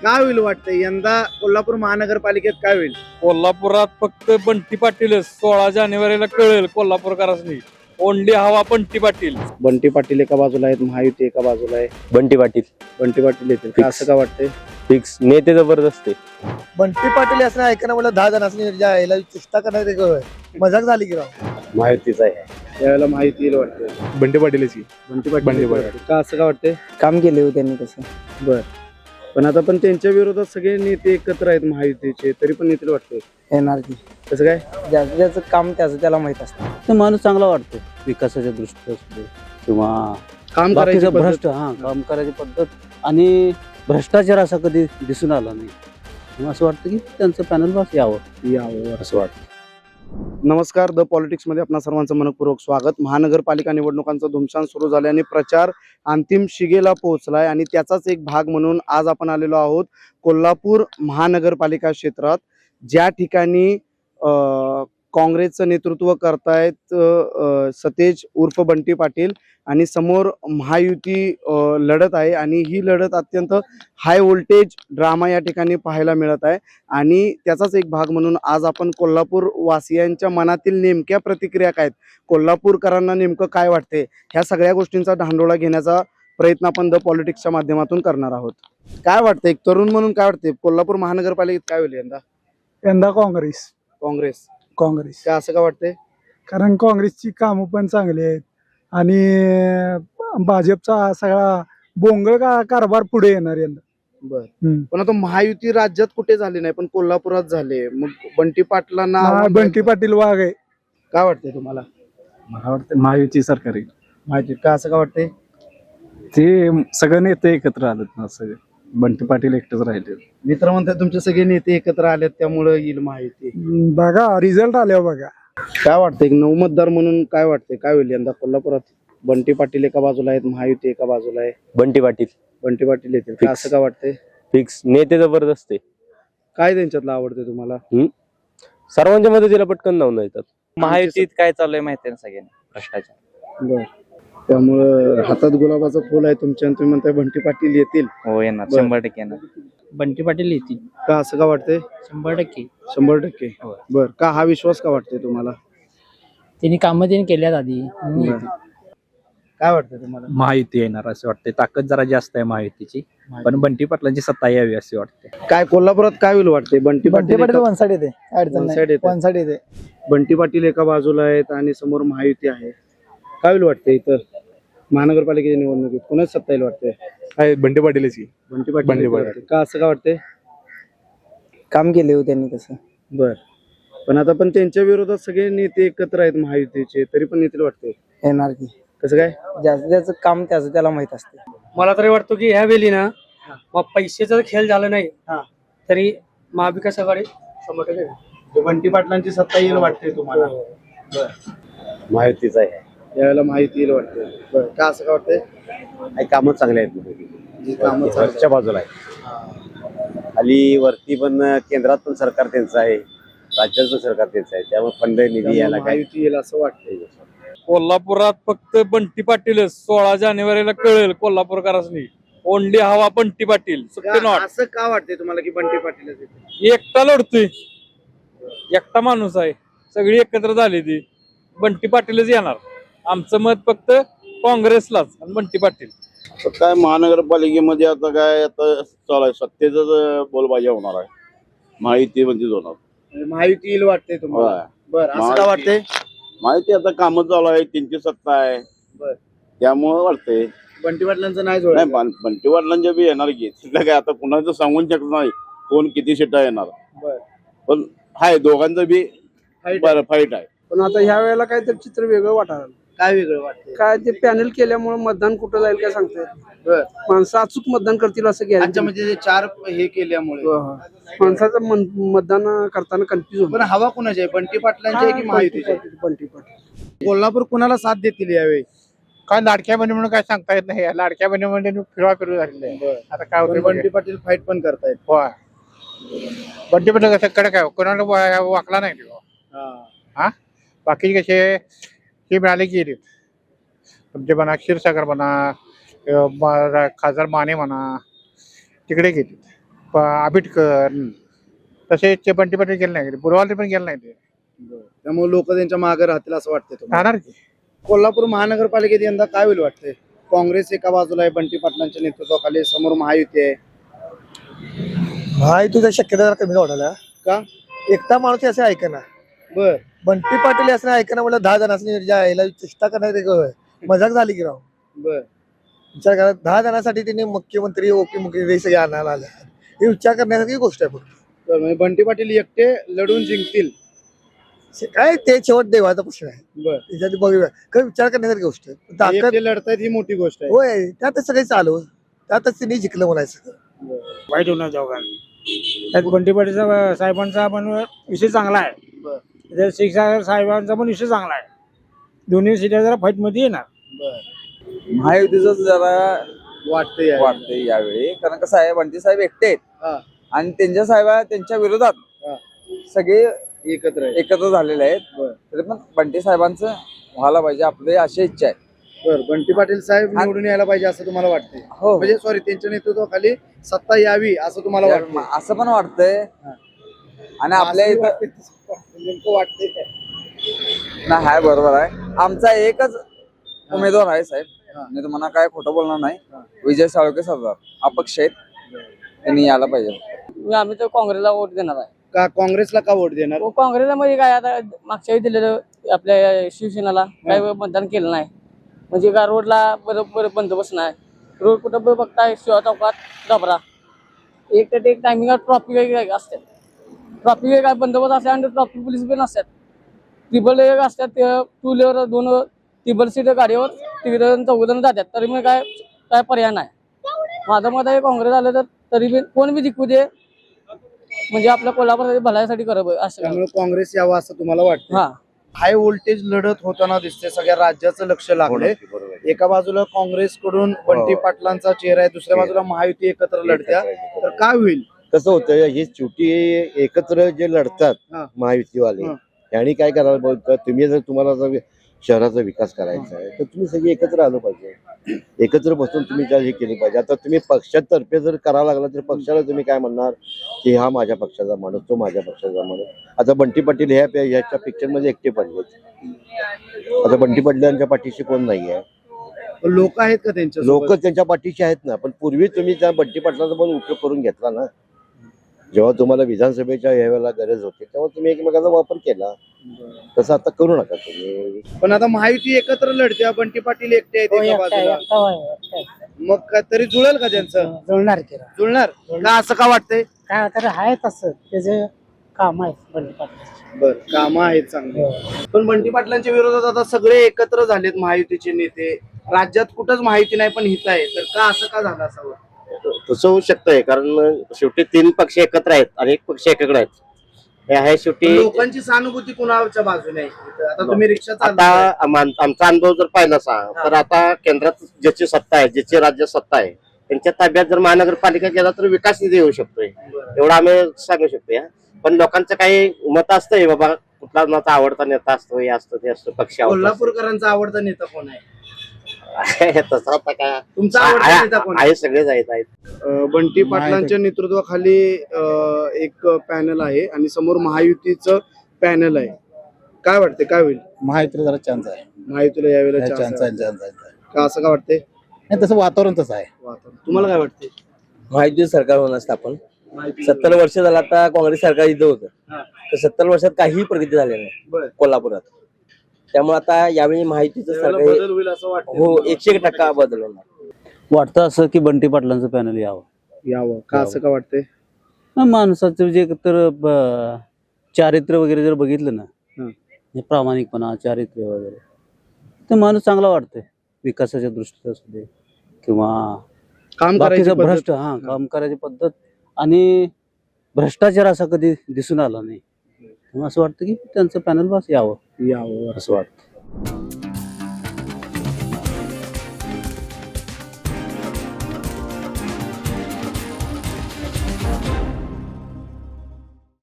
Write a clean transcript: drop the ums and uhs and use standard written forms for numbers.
काय होईल वाटतंय यंदा कोल्हापूर महानगरपालिकेत काय होईल? कोल्हापुरात फक्त बंटी पाटीलच 16 जानेवारीला कळेल कोल्हापूरकरांनी. ओनली हवा बंटी पाटील. बंटी पाटील एका बाजूला आहेत, महायुती एका बाजूला आहे. बंटी पाटील बंटी पाटील येतील का असं का वाटतंय? फिक्स नेते जबरदस्त आहे. बंटी पाटील असं ऐकणं मला 10 जण असं याला चेष्टा करणार मजाक झाली की राव. माहितीच आहे. त्यावेळेला माहिती येईल वाटतंय. बंटी पाटीलच की. बंटी पाटील बंटी येतील पाटील. वाटतंय. का असं का वाटतंय? काम केले हो त्यांनी तसं. बर, पण आता पण त्यांच्या विरोधात सगळे नेते एकत्र आहेत महायुतीचे, तरी पण येतील वाटतंय. येणार की कसं काय? ज्याचं काम त्याचं त्याला माहित असतं. ते माणूस चांगला वाटतो विकासाच्या दृष्टीने असू दे किंवा काम करायचं बाकीचं भ्रष्ट काम करायची पद्धत आणि भ्रष्टाचार असा कधी दिसून आला नाही. मग असं वाटतं की त्यांचं पॅनल बस यावं असं वाटतं. नमस्कार, द पॉलिटिक्समध्ये आपणा सर्वांचं मनपूर्वक स्वागत. महानगरपालिका निवडणुकांचा धुमशान सुरू झाल्याने प्रचार अंतिम शिगेला पोहोचलाय आणि त्याचाच एक भाग म्हणून आज आपण आलेलो आहोत कोल्हापूर महानगरपालिका क्षेत्रात, ज्या ठिकाणी काँग्रेसचं नेतृत्व करतायत सतेज उर्फ बंटी पाटील आणि समोर महायुती लढत आहे आणि ही लढत अत्यंत हाय व्होल्टेज ड्रामा या ठिकाणी पाहायला मिळत आहे. आणि त्याचाच एक भाग म्हणून आज आपण कोल्हापूर वासियांच्या मनातील नेमक्या प्रतिक्रिया काय आहेत, कोल्हापूरकरांना नेमकं काय वाटते, ह्या सगळ्या गोष्टींचा धांडोळा घेण्याचा प्रयत्न आपण द पॉलिटिक्सच्या माध्यमातून करणार आहोत. काय वाटतं, एक तरुण म्हणून काय वाटते, कोल्हापूर महानगरपालिकेत काय होईल यंदा? यंदा काँग्रेस. काय असं का वाटतंय? कारण काँग्रेसची कामं पण चांगली आहेत आणि भाजपचा सगळा बोंगळ कारभार पुढे येणार यंदा. बर, पण आता महायुती राज्यात कुठे झाली नाही, पण कोल्हापुरात झाले. मग बंटी पाटलांना बंटी पाटील वाघ आहे. काय वाटतंय तुम्हाला? मला वाटतं महायुती सरकार आहे. माहिती का असं का वाटतंय? ते सगळे नेते एकत्र आलेत ना, सगळे. बंटी पाटील एकटेच राहिले. मित्र म्हणतात तुमचे सगळे नेते एकत्र आलेत त्यामुळे येईल महायुती. बघा रिझल्ट आल्यावर बघा. काय वाटतंय, एक नऊ मतदार म्हणून काय वाटतंय, काय होईल यंदा कोल्हापुरात? बंटी पाटील एका बाजूला आहेत, महायुती एका बाजूला आहे. बंटी पाटील बंटी पाटील येतील का असं का वाटतंय? फिक्स नेते जबरदस्त आहे. काय त्यांच्यातलं आवडतंय तुम्हाला? सर्वांच्या मदतीला पटकन धावून येतात. महायुतीत काय चाललंय माहिती आहे सगळ्यांना, भ्रष्टाचार. बर, त्यामुळं हातात गुलाबाचं फुल आहे तुमच्या आणि तुम्ही म्हणताय बंटी पाटील येतील. हो येणार, बरं. 100% येणार. बंटी पाटील येतील का असं का वाटतंय? 100%. 100%. होय. बर, का हा विश्वास का वाटतंय तुम्हाला? त्यांनी कामं त्यांनी केल्यात आधी. बरं. काय वाटतंय तुम्हाला? महायुती येणार असं वाटतंय. ताकद जरा जास्त आहे महायुतीची, पण बंटी पाटलांची सत्ता यावी असे वाटते. काय कोल्हापुरात काय होईल वाटतंय? बंटी बंटी पाटील पाटील वन साइड येते, अडचण One side नाही. येते. वन साइड येते. बंटी पाटील एका बाजूला आहेत आणि समोर महायुती आहे. काय होईल वाटतंय इतर महानगरपालिकेच्या निवडणुकीत कोणाच सत्ता येईल वाटतंय? आहे बंटी पाटीलच की. बंटी पाटील बंटी येतील पाटील. वाटतंय. का असं का वाटतंय? काम केले हो त्यांनी तसं. बर, पण आता पण त्यांच्या विरोधात सगळे नेते एकत्र आहेत महायुतीचे, तरी पण येतील वाटतंय. येणार की कसं काय? ज्याचं काम त्याचं त्याला माहित असते. मला तरी वाटतं की ह्या वेळी ना मग पैशाचा खेळ झाला नाही तरी महाविकास आघाडी 100% बंटी पाटलांची सत्ता येईल वाटते तुम्हाला? माहितीच आहे. यावेळेला माहिती येईल वाटते. बरं, का असं का वाटतंय? कामं चांगले आहेत. कामं चांगली वरच्या बाजूला आहे. खाली वरती पण केंद्रात पण सरकार त्यांचं आहे, राज्यात पण सरकार त्यांचं आहे. त्यामुळे फंड निधी यायला काय महायुती येईल असं वाटतंय. कोल्हापुरात फक्त बंटी पाटीलच 16 जानेवारीला कळेल कोल्हापूरकरांनी. ओनली हवा बंटी पाटील. असं का वाटतंय तुम्हाला की बंटी पाटीलच येतील? एकटा लढतोय, एकटा माणूस आहे, सगळी एकत्र झाली ती. बंटी पाटीलच येणार. आमचं मत फक्त काँग्रेसलाच आणि बंटी पाटील. काय महानगरपालिकेमध्ये आता काय आता चालू आहे, सत्तेच बोलबाजी होणार आहे. माहिती म्हणजे होणार. महायुती येईल वाटतंय तुम्हाला? बरं, असं का वाटतंय? माहिती आता कामं चालू आहे, त्यांची सत्ता आहे. बर, त्यामुळे वाटतंय. बंटी पाटलांचं नाही नाही जोड. बंटी वाटलांच्या बी येणार की, तिथलं काय आता कुणाचं सांगून शकत नाही कोण किती सीटा येणार. बर, पण हाय दोघांचं बी बरं फाईट आहे. पण आता ह्या वेळेला काहीतरी चित्र वेगळं वाटायला. काय वेगळं वाटतंय? काय ते पॅनल केल्यामुळे मतदान कुठं जाईल काय सांगते. बर, माणसं अचूक मतदान करतील असं अच्छा, घ्यायचं. म्हणजे ते चार हे केल्यामुळे माणसाचं मतदान करताना कन्फ्युज पण हवा कुणाची आहे, बंटी पाटलांची आहे की महायुतीची? बंटी पाटील. कोल्हापूर कुणाला साथ देतील यावेळी? काय लाडक्या बहिणी म्हणून काय सांगता येत नाही. लाडक्या बहिणी म्हणजे फिरू झालेलं आहे. आता काय पण बंटी पाटील फाईट पण करतायत. बंटी पाटील कसं कडक आहे, कोणाला वाकला नाही तो. हा. बाकीचे कसे हे मिळाले की येतील. तुमचे म्हणा क्षीरसागर म्हणा, खासदार माने म्हणा, तिकडे घेतील. आंबेडकर तसेच बंटी पाटील गेले नाही बुरवाले पण गेले नाही ते त्यामुळे लोक त्यांच्या मागे राहतील असं वाटतंय तुम्हाला? राहणार की कोल्हापूर महानगरपालिकेत यंदा काय होईल वाटतंय? काँग्रेस एका बाजूला आहे बंटी पाटलांच्या नेतृत्वाखाली, समोर महायुती आहे. महायुतीचा शक्यता जरा कमी वाटायला. का? एकटा माणूस असं ऐकना. बर बंटी पाटील असं ऐकना म्हणलं 10 जणांनी याला चेष्टा करण्यात एक मजाक झाली की राव. बर विचार करा 10 जणांसाठी त्यांनी मुख्यमंत्री उपमुख्यमंत्री सगळे आणायला आले. हे विचार करण्यासारखी गोष्ट आहे फक्त. तर म्हणजे बंटी पाटील एकटे लढून जिंकतील. काय ते शेवट देवाचा प्रश्न आहे. बर त्याच्यात बघूया काय विचार करण्यासारखी गोष्ट आहे. ताकद एकटे लढतायत ही मोठी गोष्ट आहे. होय त्यातच सगळे चालू त्यातच त्यांनी जिंकलं म्हणायचं. वाईट होणार दोघांनी त्यात बंटी पाटील साहेबांचा पण विषय चांगला आहे. बर त्यात शिक्षा साहेबांचा पण विषय चांगला आहे. दोन्ही सीटा जरा फाईट मध्ये येणार. बर महायुतीच जरा वाटतंय वाटतंय यावेळी कारण कसं आहे बंटी साहेब एकटे आहेत हा आणि त्यांच्या विरोधात हा. सगळे एकत्र आहे. एकत्र झालेले आहेत. बर तरी पण बंटी साहेबांचं व्हायला पाहिजे आपली अशी इच्छा आहे. बर बंटी पाटील साहेब निवडून यायला पाहिजे असं तुम्हाला वाटतंय? हो म्हणजे सॉरी त्यांच्या नेतृत्वाखाली सत्ता यावी असं तुम्हाला वाटतं? असं पण वाटतंय आणि आपल्या इथं नेमकं वाटतंय काय? नाही आहे बरोबर आहे. आमचा एकच उमेदवार आहे साहेब. हा. मी तुम्हाला काय खोटं बोलणार नाही. विजय साळुंखे सरदार अपक्ष आहेत त्यांनी यायला पाहिजे. आम्ही तर काँग्रेसला वोट देणार आहे. का काँग्रेसला का वोट देणार? काँग्रेसला म्हणजे काय आता मागच्या वेळी दिलेलं आपल्या शिवसेनेला काय मतदान केलं नाही. म्हणजे का रोडला बरोबर बंदोबस्त नाही. रोड कुठं बघताय शिवा चौकात डबरा एक तर एक टायमिंग ट्रॉफिक वगैरे असतात. ट्रॉफिक वेगळा बंदोबस्त असतात आणि ट्रॉफिक पोलीस पण असतात. टिबल एक असतात टू व्हीलर 2 टिबल सीट गाडीवर 3-4 जातात. तरी मग काय पर्याय नाही. माझं मत आहे काँग्रेस आलं तर तरी बी कोण बी जिंकू दे म्हणजे आपल्या कोल्हापूर भल्यासाठी करावं असं. त्यामुळे काँग्रेस यावं असं तुम्हाला वाटतं? हा हाय व्होल्टेज लढत होताना दिसते. सगळ्या राज्याचं लक्ष लागले. एका बाजूला काँग्रेसकडून बंटी पाटलांचा चेहरा आहे, दुसऱ्या बाजूला महायुती एकत्र लढत्या. तर काय होईल? कसं होतं ही शेवटी एकत्र जे लढतात हा. महायुतीवाले हा. यांनी काय करायला पाहिजे? तुम्ही जर तुम्हाला जर शहराचा विकास करायचा आहे तर तुम्ही सगळे एकत्र आलं पाहिजे. एकत्र बसून तुम्ही हे केली पाहिजे. आता तुम्ही पक्षातर्फे जर करायला लागला तर पक्षाला तुम्ही काय म्हणणार की हा माझ्या पक्षाचा माणूस तो माझ्या पक्षाचा माणूस. आता बंटी पाटील ह्याच्या पिक्चर मध्ये एकटे पडलेत. आता बंटी पाटलांच्या पाठीशी कोण नाही आहे. लोक आहेत का त्यांच्या लोक त्यांच्या पाठीशी आहेत ना. पण पूर्वी तुम्ही त्या बंटी पाटलाचा पण उपयोग करून घेतला ना. जेव्हा तुम्हाला विधानसभेच्या यावेळेला गरज होती तेव्हा तुम्ही एकमेकांचा वापर केला. तसं आता करू नका तुम्ही. पण आता महायुती एकत्र लढते, बंटी पाटील एकटे आहेत एका बाजूला. मग तरी जुळेल का त्यांचं? जुळणार की जुळणार का असं का वाटतंय? काय तर आहे तसं त्याचे काम आहे बंटी पाटील. बर काम आहेत चांगले. पण बंटी पाटलांच्या विरोधात आता सगळे एकत्र झालेत महायुतीचे नेते. राज्यात कुठंच माहिती नाही पण हित आहे. तर का असं का झालं असावं? तसं होऊ शकतंय कारण शेवटी 3 पक्ष एकत्र आहेत आणि 1 पक्ष एकाकडे आहेत. हे आहे पण शेवटी. लोकांची सहानुभूती कुणाच्या बाजूने आहे? आता तुम्ही रिक्षा आता चालवताय. आमचा अनुभव जर पाहिला तर आता केंद्रात ज्याची सत्ता आहे ज्याची राज्य सत्ता आहे त्यांच्या ताब्यात जर महानगरपालिका गेला तर विकास निधी येऊ शकतोय एवढं आम्ही सांगू शकतो. पण लोकांचं काही मत असतंय बाबा कुठला माझा आवडता नेता असतो हे असतं ते असतं पक्ष कोल्हापूरकरांचा आवडता नेता कोण आहे? तसं आता काय तुमचा आवडता नेता कोण आहे? आहे सगळेच आहेत. बंटी पाटलांच्या नेतृत्वाखाली एक पॅनल आहे आणि समोर महायुतीचं पॅनल आहे. काय वाटते काय होईल? महायुतीला जरा चान्स आहे. महायुतीला यावेळेला chance आहे. का असं का वाटतंय? तसं वातावरण तसं आहे. तुम्हाला काय वाटते? महायुती सरकार होणार स्थापन 70 वर्ष झालं आता काँग्रेस सरकार इथं होतं. तर 70 वर्षात काहीही प्रगती झाली बरं. नाही कोल्हापुरात. त्यामुळे आता यावेळी माहितीचं यावेळेला सरकार बदल होईल असं वाटतं? हो 101% बदल होणार. वाटतं असं की बंटी पाटलांचं पॅनल यावं का असं का वाटतंय? माणसाचं जे तर चारित्र्य वगैरे जर बघितलं ना हं. हे प्रामाणिकपणा चारित्र्य वगैरे तर माणूस चांगला वाटतंय. विकासाच्या दृष्टीने असू दे किंवा काम करायची बाकीचं पद्धत. भ्रष्ट काम करायची पद्धत आणि भ्रष्टाचार असा कधी दिसून आला नाही. असं वाटतं की त्यांचं पॅनल बस यावं यावं असं वाटतं.